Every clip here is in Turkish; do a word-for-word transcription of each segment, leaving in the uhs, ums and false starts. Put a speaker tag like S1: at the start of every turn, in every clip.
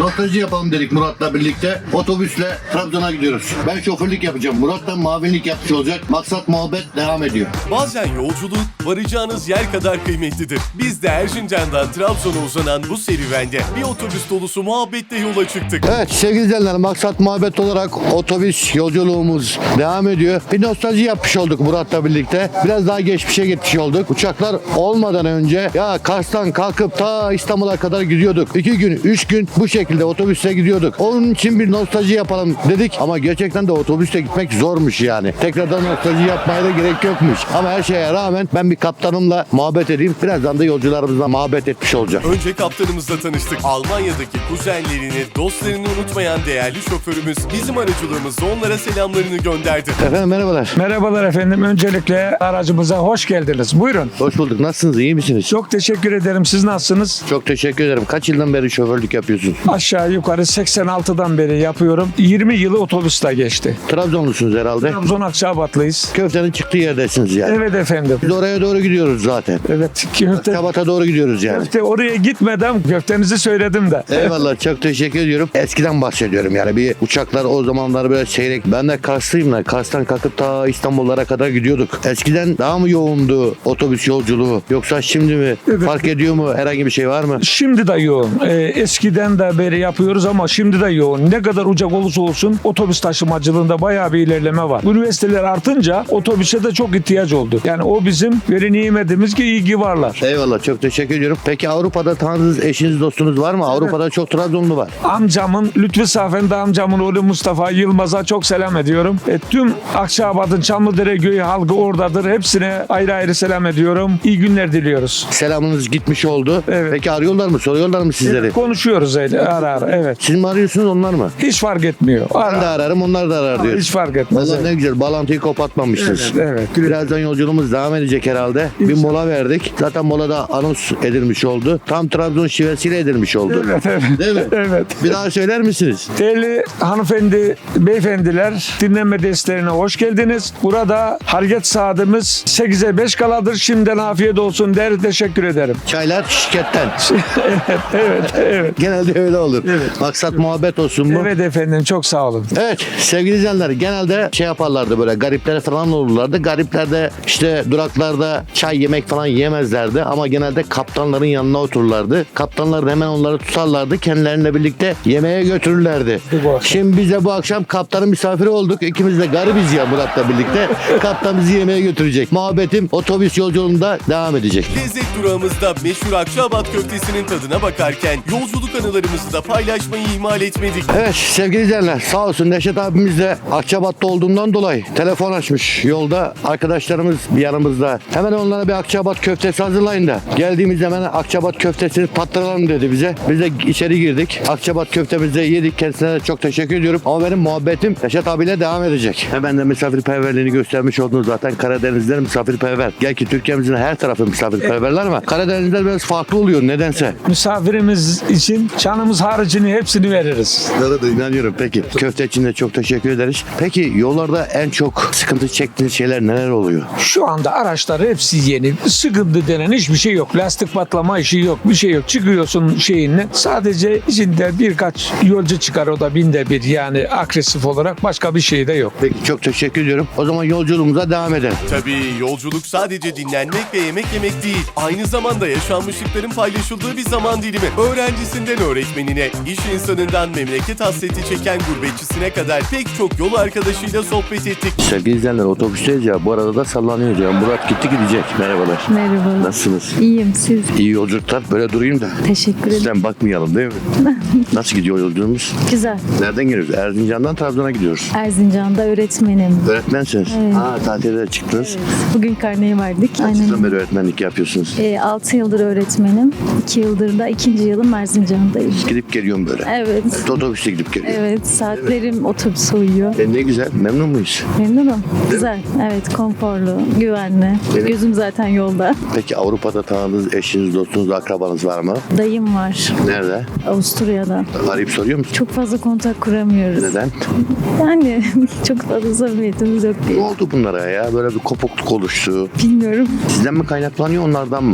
S1: nostalji yapalım dedik Murat'la birlikte. Otobüsle Trabzon'a gidiyoruz. Ben şoförlük yapacağım. Murat da mavinlik yapmış olacak. Maksat muhabbet devam ediyor.
S2: Bazen yolculuk varacağınız yer kadar kıymetlidir. Biz de Erzincan'dan Trabzon'a uzanan bu serüvende bir otobüs dolusu muhabbetle yola çıktık.
S1: Evet sevgili izleyenler, maksat muhabbet olarak otobüs yolculuğumuz devam ediyor. Bir nostalji yapmış olduk Murat'la birlikte. Biraz daha geçmişe gitmiş olduk. Uçaklar olmadan önce ya Kars'tan kalkıp ta İstanbul'a kadar gidiyorduk. İki gün, üç gün bu şekilde otobüsle gidiyorduk. Onun için bir nostalji yapalım dedik ama gerçekten de otobüsle gitmek zormuş yani. Tekrardan nostalji yapmaya da gerek yokmuş. Ama her şeye rağmen ben bir kaptanımla muhabbet edeyim. Birazdan da yolcularımızla muhabbet etmiş olacağım.
S2: Önce kaptanımızla tanıştık. Almanya'daki kuzenlerini, dostlarını unutmayan değerli şoförümüz bizim aracılığımızla onlara selamlarını gönderdi.
S1: Efendim merhabalar.
S3: Merhabalar efendim. Öncelikle aracımıza hoş geldiniz. Buyurun.
S1: Hoş bulduk. Nasılsınız? İyi misiniz?
S3: Çok teşekkür ederim. Siz nasılsınız?
S1: Çok teşekkür ederim. Kaç yıldan beri şoförlük yapıyorsunuz?
S3: Aşağı yukarı seksen altıdan beri yapıyorum. yirmi yılı otobüste geçti.
S1: Trabzonlusunuz herhalde.
S3: Trabzon Akçabatlıyız.
S1: Köftenin çıktığı yerdesiniz yani.
S3: Evet efendim.
S1: Biz oraya doğru gidiyoruz zaten.
S3: Evet. Köfte,
S1: Kabat'a doğru gidiyoruz yani.
S3: köfte oraya gitmeden köftenizi söyledim de.
S1: Eyvallah, çok teşekkür ediyorum. Eskiden bahsediyorum yani, bir uçaklar o zamanlar böyle seyrek. Ben de Karslıyım da Kars'tan kalkıp ta İstanbullara kadar gidiyorduk. Eskiden daha mı yoğundu otobüs yolculuğu yoksa şimdi mi?
S3: Evet.
S1: Fark ediyor mu? Herhangi bir şey var mı?
S3: Şimdi de yoğun. Ee, eskiden de beri yapıyoruz ama şimdi de yoğun. Ne kadar ucak olursa olsun otobüs taşımacılığında bayağı bir ilerleme var. Üniversiteler artınca otobüse de çok ihtiyaç oldu. Yani o bizim veri nimetimiz ki iyi ki varlar.
S1: Eyvallah, çok teşekkür ediyorum. Peki Avrupa'da tanıdığınız eşiniz, dostunuz var mı? Avrupa'da çok Trabzonlu var.
S3: Amcamın, Lütfü Safen'de amcamın oğlu Mustafa Yılmaz'a çok selam ediyorum. E, tüm Akçabat'ın Çamlıdere Köyü halkı oradadır. Hepsine ayrı ayrı selam ediyorum. İyi günler diliyoruz.
S1: Selamınız gitmiş oldu.
S3: Evet.
S1: Peki arıyorlar mı? Soruyorlar mı sizleri?
S3: Konuşuyoruz öyle ara ara. Evet.
S1: Siz mi arıyorsunuz, onlar mı?
S3: Hiç fark etmiyor.
S1: Ben de
S3: Ara.
S1: ararım, onlar da arar diyor.
S3: Hiç fark etmez.
S1: Vallahi
S3: Evet.
S1: ne güzel, bağlantıyı kopatmamışız.
S3: Evet, evet.
S1: Birazdan yolculuğumuz devam edecek herhalde. Bir
S3: İnşallah.
S1: mola verdik. Zaten molada anons edilmiş oldu. Tam Trabzon şivesiyle edilmiş oldu.
S3: Evet, evet.
S1: Değil mi?
S3: Evet.
S1: Bir daha söyler misiniz?
S3: Değerli hanımefendi, beyefendiler, dinlenme desteğine hoş geldiniz. Burada hareket saatimiz sekize beş kaladır. Şimdiden afiyet olsun der, teşekkür ederim.
S1: Çaylar şirketten.
S3: evet, evet, evet.
S1: Genelde öyle olur.
S3: Evet.
S1: Maksat muhabbet olsun mu?
S3: Evet efendim, çok sağ olun.
S1: Evet sevgili izleyenler, genelde şey yaparlardı, böyle garipler falan olurlardı. Garipler de işte duraklarda çay yemek falan yemezlerdi ama genelde kaptanların yanına otururlardı. Kaptanlar da hemen onları tutarlardı, kendileriyle birlikte yemeğe götürürlerdi.
S3: Bu akşam.
S1: Şimdi biz de bu akşam kaptanın misafiri olduk. İkimiz de garibiz ya Murat'la birlikte. Kaptan bizi yemeğe götürecek. Muhabbetim otobüs yolculuğunda devam edecek.
S2: Lezzet durağımızda meşhur Akçaabat köftesinin tadına bakarken yolculuk anılarımızı da paylaşmayı ihmal etmedik.
S1: Evet sevgili izleyenler, sağ olsun Neşet abimiz de Akçabat'ta olduğundan dolayı telefon açmış. Yolda arkadaşlarımız bir yanımızda. Hemen onlara bir Akçabat köftesi hazırlayın da geldiğimizde hemen Akçabat köftesini tattıralım dedi bize. Biz de içeri girdik. Akçabat köftemizi yedik. Kendisine de çok teşekkür ediyorum. Ama benim muhabbetim Neşet abiyle devam edecek. Hemen de misafirperverliğini göstermiş oldunuz zaten. Karadenizler misafirperver. Gel ki Türkiye'mizin her tarafı misafirperverler ama Karadenizler biraz farklı oluyor nedense.
S3: Misafirimiz için canımız haricini hepsini veririz.
S1: Bunlara da inanıyorum. Peki. Köfte için de çok teşekkür ederiz. Peki yollarda en çok sıkıntı çektiğiniz şeyler neler oluyor?
S3: Şu anda araçlar hepsi yeni. Sıkıntı denen hiçbir şey yok. Lastik patlama işi yok. Bir şey yok. Çıkıyorsun şeyinle. Sadece içinde birkaç yolcu çıkar, o da binde bir, yani agresif olarak, başka bir şey de yok.
S1: Peki çok teşekkür ediyorum. O zaman yolculuğumuza devam edelim.
S2: Tabii yolculuk sadece dinlenmek ve yemek yemek değil. Aynı zamanda yaşanmışlıkların paylaşıldığı bir zaman dilimi. Öğrencisinden öğretmenine, iş insanından memleket hasreti çeken gurbetçisine kadar pek çok yol arkadaşıyla sohbet ettik.
S1: Sevgili izleyenler, otobüsteyiz ya. Bu arada da sallanıyoruz ya. Murat gitti gidecek. Merhabalar.
S4: Merhaba.
S1: Nasılsınız?
S4: İyiyim, siz?
S1: İyi yolculuklar. Böyle durayım da.
S4: Teşekkür ederim.
S1: Sizden bakmayalım değil mi? Nasıl gidiyor yolculuğumuz?
S4: Güzel.
S1: Nereden geliyoruz? Erzincan'dan Trabzon'a gidiyoruz.
S4: Erzincan'da öğretmenim.
S1: Öğretmensiniz.
S4: Evet.
S1: Ha, tatilde çıktınız.
S4: Bugün karneyi verdik.
S1: Kaç yıldan
S4: Aynen.
S1: beri öğretmenlik yapıyorsunuz?
S4: E, altı yıldır öğretmenim. iki yıldır da ikinci yılım Erzincan'dayım.
S1: Gidip geliyorum böyle.
S4: Evet.
S1: Otobüste gidip geliyorum.
S4: Evet, saatlerim otobüse uyuyor.
S1: E ne güzel. Memnun muyuz?
S4: Memnunum. Güzel. Evet, konforlu, güvenli.
S1: Evet.
S4: Gözüm zaten yolda.
S1: Peki Avrupa'da tanıdığınız eşiniz, dostunuz, akrabanız var mı?
S4: Dayım var.
S1: Nerede?
S4: Avusturya'da.
S1: Arayıp soruyor musun?
S4: Çok fazla kontak kuramıyoruz.
S1: Neden?
S4: Yani çok fazla samimiyetimiz yok
S1: Ne
S4: diye.
S1: oldu bunlara ya? Böyle bir kopukluk oluştu.
S4: Bilmiyorum.
S1: Sizden mi kaynaklanıyor, onlardan mı?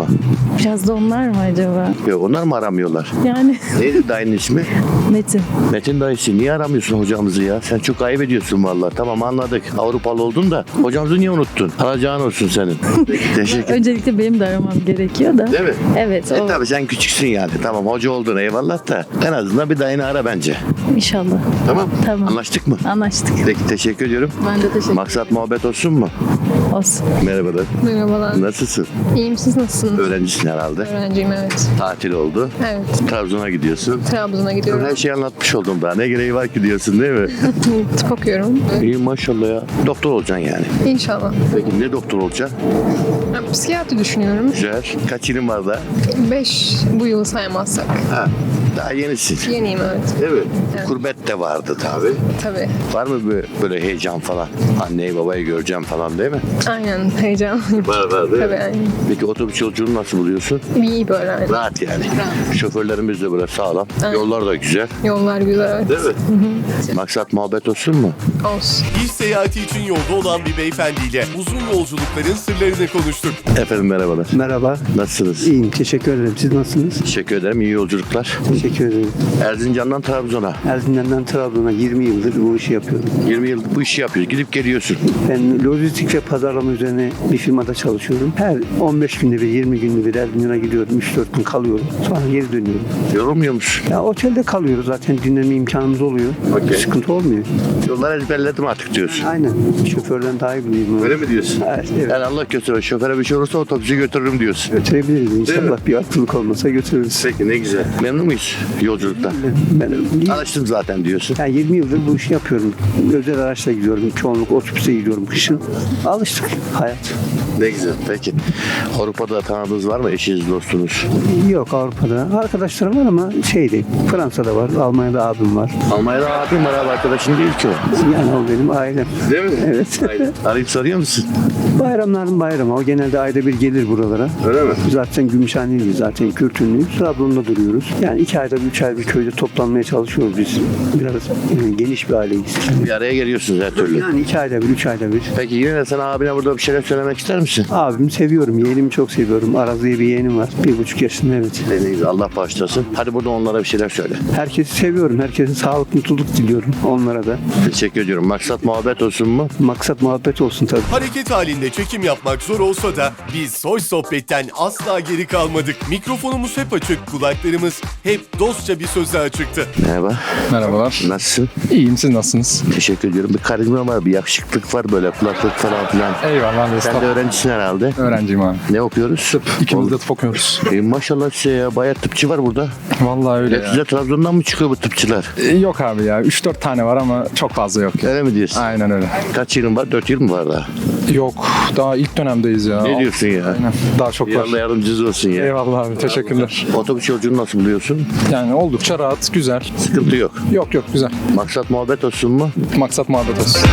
S4: Biraz da onlar mı acaba?
S1: Yok, onlar mı aramıyorlar?
S4: Yani
S1: Neydi dayının ismi?
S4: Metin.
S1: Metin dayısı, niye aramıyorsun hocamızı ya? Sen çok ayıp ediyorsun vallahi. Tamam, anladık. Avrupalı oldun da hocamızı niye unuttun? Alacağın olsun senin. Teşekkür.
S4: Öncelikle benim de aramam gerekiyor da.
S1: Değil mi?
S4: Evet.
S1: E
S4: O,
S1: tabii sen küçüksün yani. Tamam, hoca oldun eyvallah da en azından bir dayını ara bence.
S4: İnşallah.
S1: Tamam.
S4: Tamam.
S1: Anlaştık mı?
S4: Anlaştık.
S1: Peki, teşekkür ediyorum.
S4: Ben de teşekkür
S1: Maksat muhabbet olsun mu?
S4: Olsun.
S1: Merhabalar.
S5: Merhabalar.
S1: Nasılsın?
S5: İyiyim, siz nasılsınız?
S1: Öğrencisin herhalde.
S5: Öğrenciyim, evet.
S1: Tatil oldu.
S5: Evet.
S1: Trabzon'a gidiyorsun.
S5: Trabzon'a gidiyorum.
S1: Her şeyi anlatmış oldum daha. Ne gereği var ki diyorsun değil mi?
S5: Tıp okuyorum.
S1: İyi maşallah ya. Doktor olacaksın yani.
S5: İnşallah.
S1: Peki ne doktor olacaksın?
S5: Ben psikiyatri düşünüyorum.
S1: Güzel. Kaç yılın var daha?
S5: Beş bu yılı saymazsak.
S1: Ha, daha yenisin.
S5: Yeniyim, evet.
S1: Değil mi?
S5: Evet.
S1: Kurbet de vardı tabii.
S5: Tabii.
S1: Var mı böyle, böyle heyecan falan? Anneyi babayı göreceğim falan değil mi?
S5: Aynen, heyecanlıyım.
S1: Var var değil
S5: Tabii,
S1: mi?
S5: aynen.
S1: Peki otobüs yolculuğunu nasıl buluyorsun?
S5: İyi böyle, aynen.
S1: Rahat yani. Şoförlerimiz de böyle sağlam.
S5: Aynen.
S1: Yollar da güzel.
S5: Yollar güzel, evet.
S1: Değil mi? Maksat muhabbet olsun mu?
S5: Olsun.
S2: İş seyahati için yolda olan bir beyefendiyle uzun yolculukların sırlarını konuştuk.
S1: Efendim merhabalar.
S6: Merhaba.
S1: Nasılsınız?
S6: İyiyim. Teşekkür ederim. Siz nasılsınız?
S1: Teşekkür ederim. İyi yolculuklar.
S6: Teşekkür ederim.
S1: Erzincan'dan Trabzon'a.
S6: Erzincan'dan Trabzon'a yirmi yıldır bu işi yapıyorum.
S1: yirmi yıl bu işi yapıyoruz. Gidip geliyorsun.
S6: Ben lojistik ve pazarlama üzerine bir firmada çalışıyorum. Her on beş günde bir, yirmi günde bir Erzincan'a gidiyorum. üç dört gün kalıyorum. Sonra geri dönüyorum.
S1: Yorulmuyor musun?
S6: Ya otelde kalıyoruz zaten. Dinlenme imkanımız oluyor.
S1: Okey.
S6: Sıkıntı olmuyor.
S1: Yolları ezberledim artık diyorsun.
S6: Aynen. Şoförden daha iyi biliyorum.
S1: Öyle mi diyorsun?
S6: Evet. evet.
S1: Yani Allah götürür. Şoföre bir şey olursa otobüsü götürürüm diyorsun.
S6: Götürebiliriz.
S1: mi?
S6: İnşallah bir aklılık olmasa götürürüz.
S1: Peki, ne güzel. Memnun muyuz yolculukta?
S6: Ben,
S1: Alıştım zaten diyorsun.
S6: yani yirmi yıldır bu işi yapıyorum. Özel araçla gidiyorum. Çoğunluk otobüse gidiyorum kışın. Alıştık. Hayat.
S1: Ne güzel. Peki. Avrupa'da tanıdığınız var mı? Eşiniz, dostunuz?
S6: Yok Avrupa'da. Arkadaşlarım var ama şeydi. Fransa'da var. Almanya'da abim var.
S1: Almanya'da abim var abi, arkadaşın değil ki o.
S6: Yani o benim ailem.
S1: Değil mi?
S6: Evet.
S1: Aynen. Arayıp soruyor musun?
S6: Bayramların bayramı. O genelde ayda bir gelir buralara.
S1: Öyle mi?
S6: Zaten Gümüşhaneliyiz. Zaten Kürtünlüyüz. Trabzon'da duruyoruz. Yani iki ayda bir, üç ayda bir köyde toplanmaya çalışıyoruz biz. Biraz e, geniş bir aileyiz.
S1: Bir araya geliyorsunuz her türlü.
S6: Yani iki ayda bir, üç ayda bir.
S1: Peki yine de sen abine burada bir şeyler söylemek ister misin?
S6: Abimi seviyorum. Yeğenimi çok seviyorum. Araz diye bir yeğenim var. Bir buçuk yaşında, evet.
S1: Ne güzel. Allah bağışlasın. Hadi burada onlara bir şeyler söyle.
S6: Herkesi seviyorum. Herkese sağlık, mutluluk diliyorum. Onlara da.
S1: Teşekkür ediyorum. Maksat muhabbet olsun mu?
S6: Maksat muhabbet olsun tabii.
S2: Hareket halinde çekim yapmak zor olsa da biz Soy Sohbet'ten asla geri kalmadık. Mikrofonumuz hep açık, kulaklarımız hep dostça bir söze açıktı.
S1: Merhaba.
S7: Merhabalar.
S1: Nasılsın?
S7: İyiyim, siz nasılsınız?
S1: Teşekkür ediyorum. Bir karizma var, bir yakışıklık var böyle, kulaklık falan filan.
S7: Eyvallah.
S1: Sen de
S7: Estağfurullah.
S1: öğrencisin herhalde.
S7: Öğrenciyim abi.
S1: Ne okuyoruz? Tıp.
S7: İkimiz de tıp okuyoruz.
S1: E, maşallah size ya. Bayağı tıpçı var burada.
S7: Vallahi öyle
S1: Hep
S7: ya.
S1: size Trabzon'dan mı çıkıyor bu tıpçılar?
S7: E, Yok abi ya. üç dört tane var ama çok fazla yok.
S1: Öyle mi diyorsun?
S7: Aynen öyle.
S1: Kaç yılın var? dört yıl mı var daha?
S7: Yok. Daha ilk dönemdeyiz ya.
S1: Ne diyorsun ya?
S7: Aynen. Daha çok var.
S1: Allah yardımcınız olsun ya.
S7: Eyvallah abi. Teşekkürler.
S1: Otobüs yolculuğunu nasıl buluyorsun?
S7: Yani oldukça rahat, güzel.
S1: Sıkıntı yok.
S7: Yok yok güzel.
S1: Maksat muhabbet olsun mu?
S7: Maksat muhabbet olsun.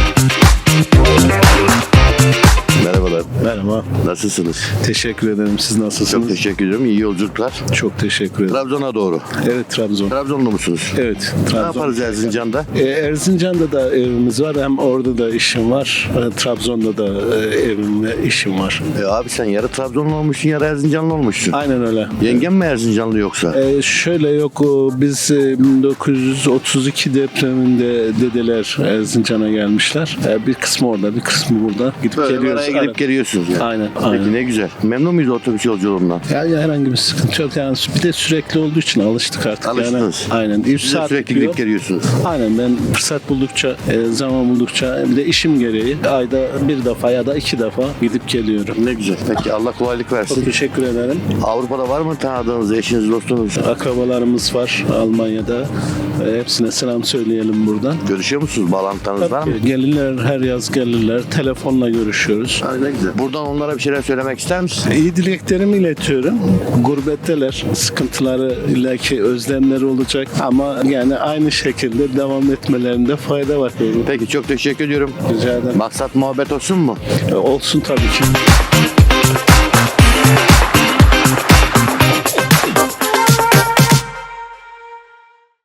S1: Merhabalar.
S8: Merhaba.
S1: Nasılsınız?
S8: Teşekkür ederim. Siz nasılsınız?
S1: Çok teşekkür ediyorum. İyi yolculuklar.
S8: Çok teşekkür ederim.
S1: Trabzon'a doğru.
S8: Evet, Trabzon.
S1: Trabzonlu musunuz?
S8: Evet,
S1: Ne
S8: Trabzon.
S1: yaparız Erzincan'da?
S8: Ee, Erzincan'da da evimiz var. Hem orada da işim var. Ee, Trabzon'da da e, evim ve işim var.
S1: E abi sen yarı Trabzonlu olmuşsun, yarı Erzincanlı olmuşsun.
S8: Aynen öyle.
S1: Yengen mi Erzincanlı yoksa?
S8: Ee, şöyle yok, o, biz e, bin dokuz yüz otuz iki depreminde dedeler Erzincan'a gelmişler. Ee, bir kısmı orada, bir kısmı burada. Gidip
S1: Böyle
S8: geliyoruz.
S1: oraya gidip
S8: Aynen.
S1: geliyorsunuz yani.
S8: Aynen,
S1: Peki
S8: aynen.
S1: ne güzel. Memnun muyuz otobüs yolculuğundan?
S8: Yani herhangi bir sıkıntı yok. Yani bir de sürekli olduğu için alıştık artık.
S1: Alıştınız.
S8: Yani, aynen. üç
S1: Siz de
S8: saat
S1: sürekli
S8: gidiyor.
S1: gidip geliyorsunuz.
S8: Aynen, ben fırsat buldukça, e, zaman buldukça, bir de işim gereği ayda bir defa ya da iki defa gidip geliyorum.
S1: Ne güzel. Peki Allah kolaylık
S8: Çok
S1: versin.
S8: teşekkür ederim.
S1: Avrupa'da var mı tanıdığınız eşiniz, dostunuz?
S8: Akrabalarımız var Almanya'da. E, hepsine selam söyleyelim buradan.
S1: Görüşüyor musunuz? Bağlantılarınız var mı?
S8: Gelirler, her yaz gelirler. Telefonla görüşüyoruz.
S1: Ay ne güzel. Buradan onlara bir şeyler söylemek ister misin?
S8: İyi dileklerimi iletiyorum. Gurbetteler. Sıkıntıları, illaki özlemleri olacak ama yani aynı şekilde devam etmelerinde fayda var.
S1: Peki çok teşekkür ediyorum.
S8: Rica ederim.
S1: Maksat muhabbet olsun mu?
S8: E, olsun tabii ki.